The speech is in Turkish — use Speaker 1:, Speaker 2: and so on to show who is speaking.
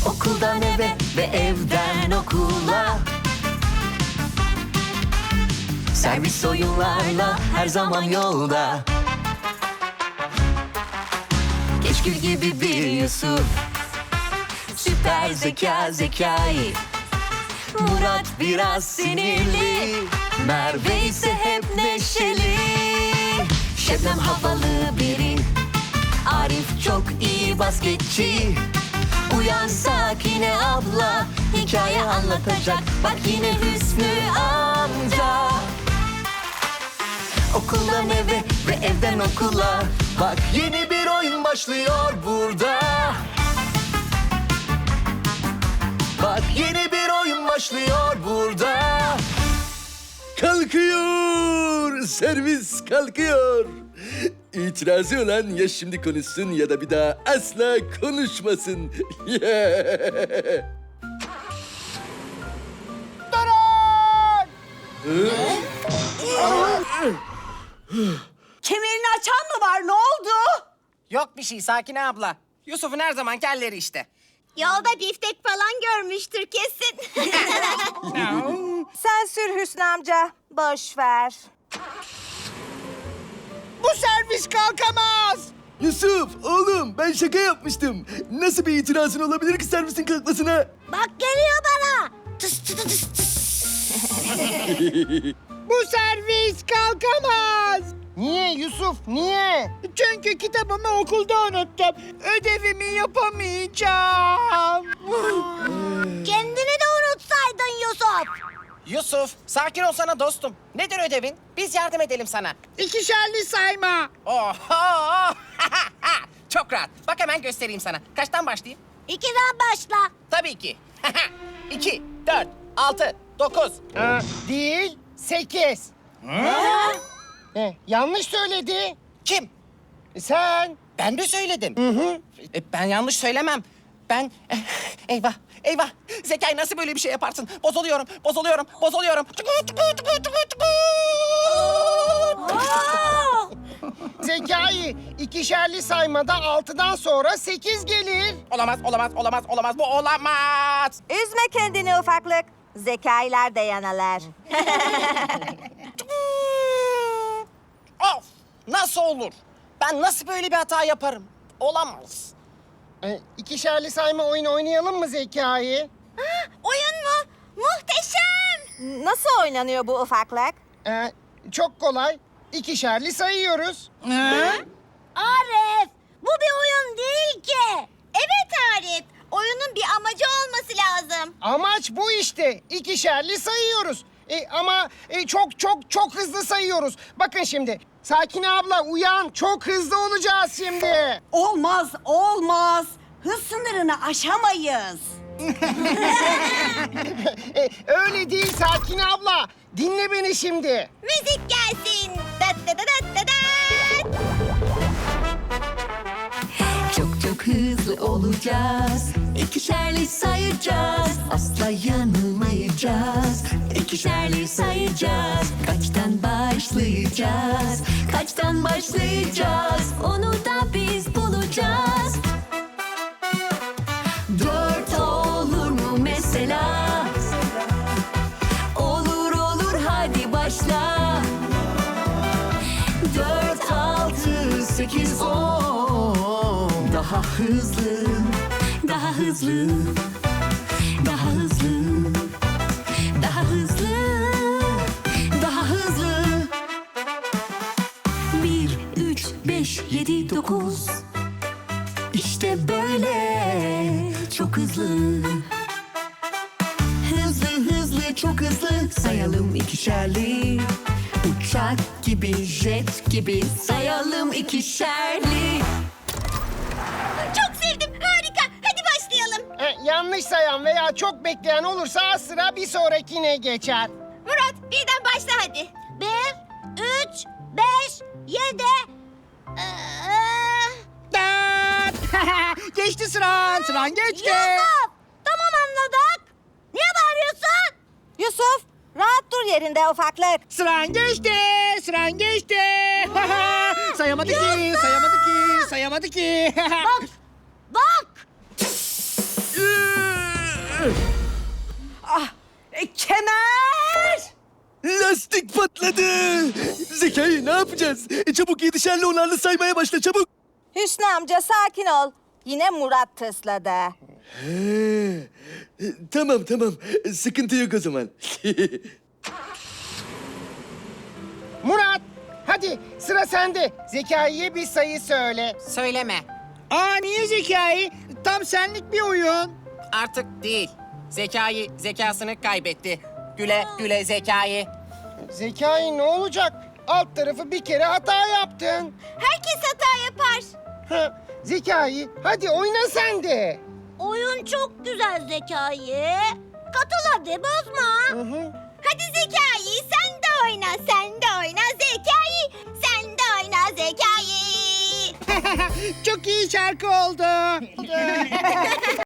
Speaker 1: Okuldan eve ve evden okula. Servis oyunlarla her zaman yolda. Keşkül gibi bir Yusuf, süper zeka Zekai. Murat biraz sinirli, Merve ise hep neşeli. Şebnem havalı biri, Arif çok iyi basketçi. Uyan Sakine abla, hikaye anlatacak. Bak yine Hüsnü amca. Okuldan eve ve evden okula. Bak yeni bir oyun başlıyor burada. Bak yeni bir oyun başlıyor burada.
Speaker 2: Kalkıyor, servis kalkıyor. İtirazı olan ya şimdi konuşsun ya da bir daha asla konuşmasın.
Speaker 3: Kemerini açan mı var? Ne oldu?
Speaker 4: Yok bir şey Sakine abla. Yusuf'un her zamanki halleri işte.
Speaker 5: Yolda biftek falan görmüştür kesin.
Speaker 3: Sen sür Hüsnü amca. Boş ver.
Speaker 4: Bu servis kalkamaz.
Speaker 2: Yusuf, oğlum ben şaka yapmıştım. Nasıl bir itirazın olabilir ki servisin kalkmasına?
Speaker 5: Bak geliyor bana.
Speaker 4: Bu servis kalkamaz. Niye Yusuf, niye? Çünkü kitabımı okulda unuttum. Ödevimi yapamayacağım.
Speaker 5: Kendini de unutsaydın Yusuf.
Speaker 4: Yusuf, sakin olsana dostum. Nedir ödevin? Biz yardım edelim sana. İkişerli sayma. Oho! Çok rahat. Bak hemen göstereyim sana. Kaçtan başlayayım?
Speaker 5: 2'den başla.
Speaker 4: Tabii ki. 2, 4, 6, 9.
Speaker 6: Değil, 8. Yanlış söyledi.
Speaker 4: Kim?
Speaker 6: Sen.
Speaker 4: Ben mi söyledim? Ben yanlış söylemem. Ben... eyvah, eyvah. Zekai nasıl böyle bir şey yaparsın? Bozuluyorum, bozuluyorum, bozuluyorum.
Speaker 6: Zekai, ikişerli saymada 6'dan sonra 8 gelir.
Speaker 4: Olamaz, olamaz, olamaz, olamaz. Bu olamaz.
Speaker 3: Üzme kendini ufaklık. Zekailer de yanalar.
Speaker 4: Of! Nasıl olur? Ben nasıl böyle bir hata yaparım? Olamaz.
Speaker 6: İkişerli sayma oyunu oynayalım mı Zekai?
Speaker 5: Oyun mu? Muhteşem.
Speaker 3: Nasıl oynanıyor bu ufaklık?
Speaker 6: Çok kolay. İkişerli sayıyoruz.
Speaker 5: Arif, bu bir oyun değil ki. Evet Arif, oyunun bir amacı olması lazım.
Speaker 6: Amaç bu işte. İkişerli sayıyoruz. Ama çok hızlı sayıyoruz. Bakın şimdi. Sakine abla uyan. Çok hızlı olacağız şimdi.
Speaker 3: Olmaz, olmaz. Hız sınırını aşamayız.
Speaker 6: Öyle değil Sakine abla. Dinle beni şimdi.
Speaker 5: Müzik gelsin. Dat dat dat dat dat.
Speaker 1: Çok çok hızlı olacağız. İkişerli sayacağız. Asla yanılmayacağız. İkişerli sayacağız. Kaçtan başlayacağız? Kaçtan başlayacağız? Onu da biz bulacağız. 4 olur mu mesela? Olur olur hadi başla. 4, 6, 8, 10. Daha hızlı, daha hızlı, daha hızlı, daha hızlı, daha hızlı. 1, 3, 5, 7, 9. İşte böyle çok hızlı. Hızlı hızlı çok hızlı sayalım ikişerli. Uçak gibi, jet gibi sayalım ikişerli.
Speaker 5: Çok sevdim, harika. Hadi başlayalım.
Speaker 6: Yanlış sayan veya çok bekleyen olursa sıra bir sonrakine geçer.
Speaker 5: Murat, birden başla hadi. 1, 3, 5, 7.
Speaker 4: Geçti sıran geçti.
Speaker 5: Yusuf, tamam anladık. Niye bağırıyorsun?
Speaker 3: Yusuf, rahat dur yerinde ufaklık.
Speaker 4: Sıran geçti. Sayamadı ki, sayamadı ki, sayamadı ki.
Speaker 5: Bak.
Speaker 3: Kemer!
Speaker 2: Lastik patladı. Zekai ne yapacağız? Çabuk 7'şerli 10'arlı saymaya başla çabuk.
Speaker 3: Hüsnü amca sakin ol. Yine Murat tısladı.
Speaker 2: Tamam tamam. Sıkıntı yok o zaman.
Speaker 6: Murat, hadi sıra sende. Zekai'ye bir sayı söyle.
Speaker 4: Söyleme.
Speaker 7: Aa niye Zekai? Tam senlik bir oyun.
Speaker 4: Artık değil. Zekasını kaybetti. Güle güle Zekai.
Speaker 6: Zekai ne olacak? Alt tarafı bir kere hata yaptın.
Speaker 5: Herkes hata yapar.
Speaker 6: Ha, Zekai, hadi oyna sen de.
Speaker 5: Oyun çok güzel Zekai. Katıl hadi bozma. Hadi Zekai sen de oyna, sen de oyna Zekai. Sen de oyna Zekai.
Speaker 7: Çok iyi şarkı oldu.